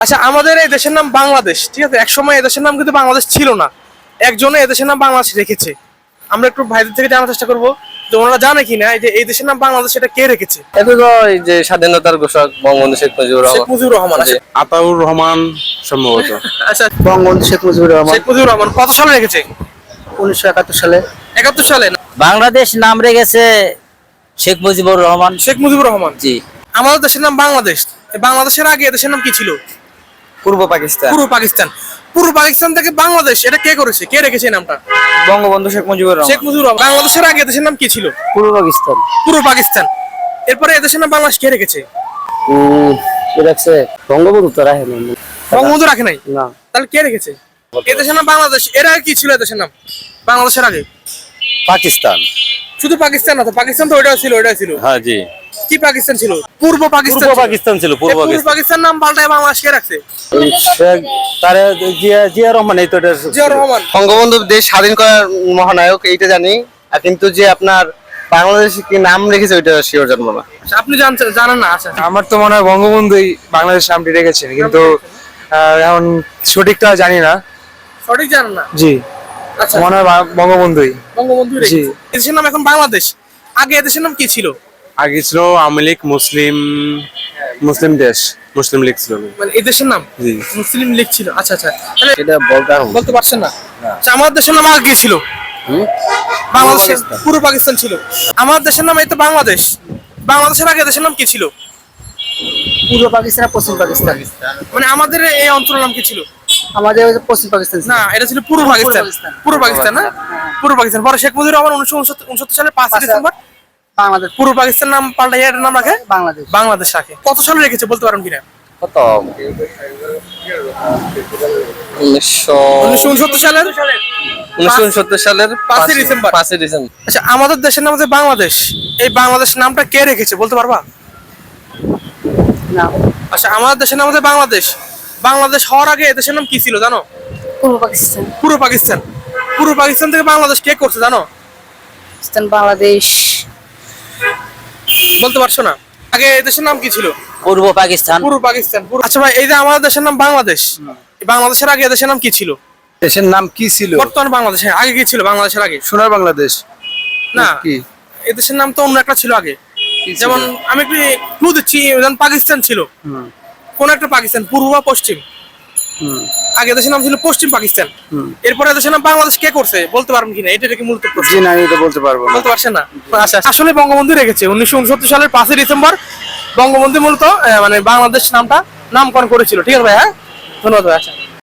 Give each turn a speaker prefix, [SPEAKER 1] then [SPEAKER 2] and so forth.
[SPEAKER 1] আচ্ছা, আমাদের এই দেশের নাম বাংলাদেশ, ঠিক আছে? একসময় এই দেশের নাম কিন্তু বাংলাদেশ ছিল না, একজনে এই দেশের নাম বাংলাদেশ রেখেছে। আমরা একটু ভাইদের থেকে জানার চেষ্টা করবো যে ওনারা জানে কিনা এই যে এই দেশের নাম বাংলাদেশ এটা কে রেখেছে।
[SPEAKER 2] এটা তো এই যে স্বাধীনতার ঘোষক বঙ্গবন্ধু শেখ মুজিবুর
[SPEAKER 1] শেখ
[SPEAKER 2] রহমান।
[SPEAKER 1] মুজিবুর রহমান। আচ্ছা,
[SPEAKER 3] আতাউর রহমান সম্ভবত।
[SPEAKER 1] আচ্ছা,
[SPEAKER 4] বঙ্গবন্ধু শেখ মুজিবুর রহমান
[SPEAKER 1] শেখ মুজিবুর রহমান কত সালে রেখেছে?
[SPEAKER 4] 1971 সালে।
[SPEAKER 1] 71 সালে না?
[SPEAKER 5] বাংলাদেশ নাম রেখেছে শেখ মুজিবুর রহমান।
[SPEAKER 1] শেখ মুজিবুর রহমান।
[SPEAKER 5] জি।
[SPEAKER 1] আমাদের দেশের নাম বাংলাদেশ, এই বাংলাদেশের আগে এদেশের নাম কি ছিল?
[SPEAKER 2] পূর্ব পাকিস্তান।
[SPEAKER 1] পূর্ব পাকিস্তান। পূর্ব পাকিস্তান থেকে বাংলাদেশ এটা কে করেছে, কে রেখেছে এই নামটা?
[SPEAKER 2] বঙ্গবন্ধু শেখ মুজিবুর
[SPEAKER 1] শেখ মুজিবুর রহমান। বাংলাদেশের আগে এদেশের নাম কি ছিল?
[SPEAKER 4] পূর্ব পাকিস্তান।
[SPEAKER 1] পূর্ব পাকিস্তান। এরপরে এদেশের নাম বাংলাদেশ কে রেখেছে?
[SPEAKER 4] কি রাখছে? বঙ্গবন্ধু তো রাখে না।
[SPEAKER 1] বঙ্গবন্ধু রাখে নাই?
[SPEAKER 4] না।
[SPEAKER 1] তাহলে কে রেখেছে? এদেশের নাম বাংলাদেশ, এর আগে কি ছিল এদেশের নাম বাংলাদেশের আগে?
[SPEAKER 2] পাকিস্তান।
[SPEAKER 1] শুধু পাকিস্তান না তো, পাকিস্তান তো ওইটাও ছিল, ওইটাও ছিল।
[SPEAKER 2] হ্যাঁ জি।
[SPEAKER 1] কি পাকিস্তান ছিল? পূর্ব পাকিস্তান।
[SPEAKER 2] পূর্ব পাকিস্তান ছিল, পূর্ব
[SPEAKER 1] এই পূর্ব
[SPEAKER 2] পাকিস্তান।
[SPEAKER 1] পাকিস্তান নাম পাল্টায় বাংলাদেশ কে রাখছে?
[SPEAKER 2] তারে জিয়া রহমান, এই তো এটা
[SPEAKER 1] জিয়াউর রহমান।
[SPEAKER 2] বঙ্গবন্ধু দেশ স্বাধীন করার মহানায়ক, এইটা জানি। আর কিন্তু যে আপনার বাংলাদেশ কি নাম রেখেছে ওইটা শিওর জানবো না।
[SPEAKER 1] আচ্ছা, আপনি জানেন না? আচ্ছা,
[SPEAKER 3] আমার তো মনে হয় বঙ্গবন্ধুই বাংলাদেশ নামটি রেখেছেন, কিন্তু এখন সঠিকটা জানি না।
[SPEAKER 1] সঠিক জানেন না?
[SPEAKER 3] জি,
[SPEAKER 1] আচ্ছা,
[SPEAKER 3] মনে হয় বঙ্গবন্ধুই।
[SPEAKER 1] বঙ্গবন্ধু
[SPEAKER 3] জি।
[SPEAKER 1] রেখেছে। এদেশের নাম এখন বাংলাদেশ, আগে এদেশের নাম কি ছিল?
[SPEAKER 3] আগে ছিল আওয়ামী লীগ, মুসলিম দেশ, মুসলিম লীগ ছিল।
[SPEAKER 1] মানে এদেশের নাম
[SPEAKER 3] জি।
[SPEAKER 1] মুসলিম লীগ ছিল। আচ্ছা আচ্ছা, তাহলে
[SPEAKER 2] এটা
[SPEAKER 1] বলতে পারছেন না? আচ্ছা, আমাদের দেশের নাম আগে কি ছিল? বাংলাদেশ। পূর্ব পাকিস্তান ছিল। আমাদের দেশের নাম এই তো বাংলাদেশ, বাংলাদেশের আগে দেশের নাম কি ছিল?
[SPEAKER 4] পূর্ব পাকিস্তান আর পশ্চিম পাকিস্তান।
[SPEAKER 1] মানে আমাদের এই অঞ্চলের নাম কি ছিল?
[SPEAKER 4] আমাদের ওই যে পশ্চিম পাকিস্তান ছিল।
[SPEAKER 1] না, এটা ছিল পূর্ব পাকিস্তান।
[SPEAKER 4] পাকিস্তান।
[SPEAKER 1] পূর্ব পাকিস্তান না? পূর্ব পাকিস্তান। পরে শেখ মুজিবুর রহমান 1969 সালের 5 ডিসেম্বর
[SPEAKER 4] বাংলাদেশ।
[SPEAKER 1] পূর্ব পাকিস্তান নাম পাল্টাইয়া এটার নাম রাখে
[SPEAKER 4] বাংলাদেশ।
[SPEAKER 1] বাংলাদেশ রাখে। কত সালে রেখেছে বলতে পারেন কিনা?
[SPEAKER 2] কত
[SPEAKER 1] 1969 সালের
[SPEAKER 2] 1969 সালের
[SPEAKER 1] 5 ডিসেম্বর।
[SPEAKER 2] 5 ডিসেম্বর।
[SPEAKER 1] আচ্ছা, আমাদের দেশের নাম যে বাংলাদেশ, এই বাংলাদেশ নামটা কে রেখেছে বলতে পারবা?
[SPEAKER 4] না।
[SPEAKER 1] আচ্ছা, আমাদের দেশের নাম যে বাংলাদেশ, বাংলাদেশ হওয়ার আগে দেশের নাম কি ছিল জানো?
[SPEAKER 4] পূর্ব পাকিস্তান।
[SPEAKER 1] পূর্ব পাকিস্তান। পূর্ব পাকিস্তান থেকে বাংলাদেশ কে করছে জানো?
[SPEAKER 4] বাংলাদেশ।
[SPEAKER 1] বলতে পারছো না? আগে এই দেশের নাম কি ছিল?
[SPEAKER 5] পূর্ব পাকিস্তান।
[SPEAKER 1] পূর্ব পাকিস্তান। আচ্ছা ভাই, এই যে আমাদের দেশের নাম বাংলাদেশ, এই বাংলাদেশের আগে দেশের নাম কি ছিল?
[SPEAKER 3] দেশের নাম কি ছিল?
[SPEAKER 1] বর্তমান বাংলাদেশ। হ্যাঁ, আগে কি ছিল বাংলাদেশের আগে?
[SPEAKER 3] সোনার বাংলাদেশ
[SPEAKER 1] না,
[SPEAKER 3] কি?
[SPEAKER 1] এই দেশের নাম তো অন্য একটা ছিল আগে।
[SPEAKER 3] কি ছিল?
[SPEAKER 1] যেমন আমি একটু ক্লু দিচ্ছি, যেমন পাকিস্তান ছিল, কোন একটা পাকিস্তান, পূর্ব বা পশ্চিম। আগে দেশের নাম ছিল পশ্চিম পাকিস্তান। এরপরে দেশের নাম বাংলাদেশ কে করছে বলতে পারবেন কিনা? এটা কি মূলত প্রশ্ন।
[SPEAKER 3] জি না, আমি তো বলতে পারবো না।
[SPEAKER 1] বলতে পারছেন না? আচ্ছা, আসলে বঙ্গবন্ধু রেখেছে 1969 সালের 5 ডিসেম্বর। বঙ্গবন্ধু মূলত মানে বাংলাদেশ নামটা নামকরণ করেছিল। ঠিক আছে ভাই, হ্যাঁ, ধন্যবাদ ভাই। আচ্ছা।